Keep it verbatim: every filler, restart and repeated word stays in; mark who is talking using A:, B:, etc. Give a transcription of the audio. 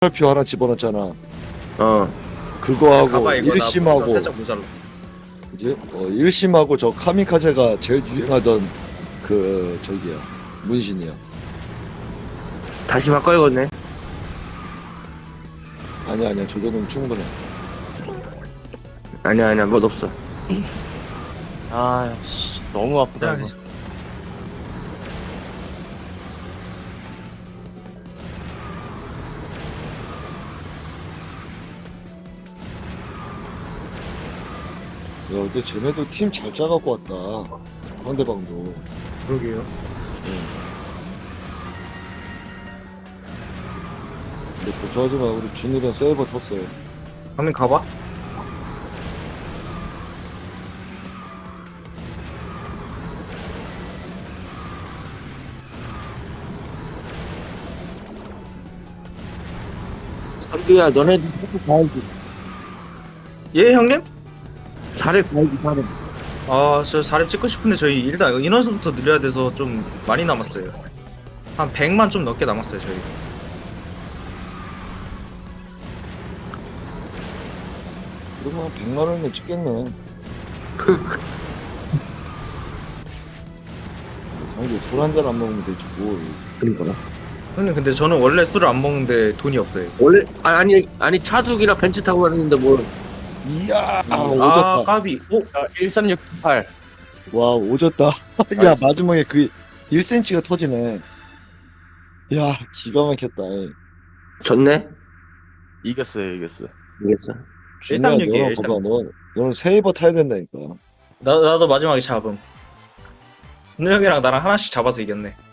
A: 표 하나 집어넣었잖아.
B: 어.
A: 그거하고
C: 가봐 이거 나
A: 일심하고
C: 살짝 모자라.
A: 이제 어, 일심하고 저 카미카제가 제일 유행하던 그 저기야 문신이야.
B: 다시 바꿔야겠네.
A: 아니야 아니야 저 정도면 충분해.
B: 아니야 아니야 뭐 없어.
D: 아, 씨, 너무 아프다 이거.
A: 야 근데 쟤네도 팀 잘 짜갖고 왔다. 상대방도.
C: 그러게요.
A: 근데 걱정하지마 우리 준이랑 세이버 텄어요.
C: 가면 가봐.
B: 선비야 너네도 살을 가야지.
C: 예 형님?
B: 살을 가야지 살을.
C: 아저 사립 찍고 싶은데 저희 일단 인원수부터 늘려야 돼서 좀 많이 남았어요. 한 백만 좀 넘게 남았어요 저희.
A: 그러면 백만 원이면 찍겠네. 상대 술 한 잔 안 먹으면 되지 뭘.
B: 그러니까.
C: 형님 근데 저는 원래 술을 안 먹는데 돈이 없어요.
B: 원래 아, 아니 아니 차둑이랑 벤츠 타고 갔는데 뭐.
A: 이야 아,
C: 아
A: 오졌다.
C: 까비. 오
D: 자, 일삼육팔.
A: 와 오졌다. 야
C: 나이스.
A: 마지막에 그 일 센티미터가 터지네. 야 기가 막혔다.
B: 졌네.
D: 이겼어요, 이겼어.
B: 이겼어.
A: 준이야
C: 일삼육이에요,
A: 너는
C: 일삼육.
A: 봐봐 너 너는 세이버 타야 된다니까.
C: 나 나도 마지막에 잡음. 준호 형이랑 나랑 하나씩 잡아서 이겼네.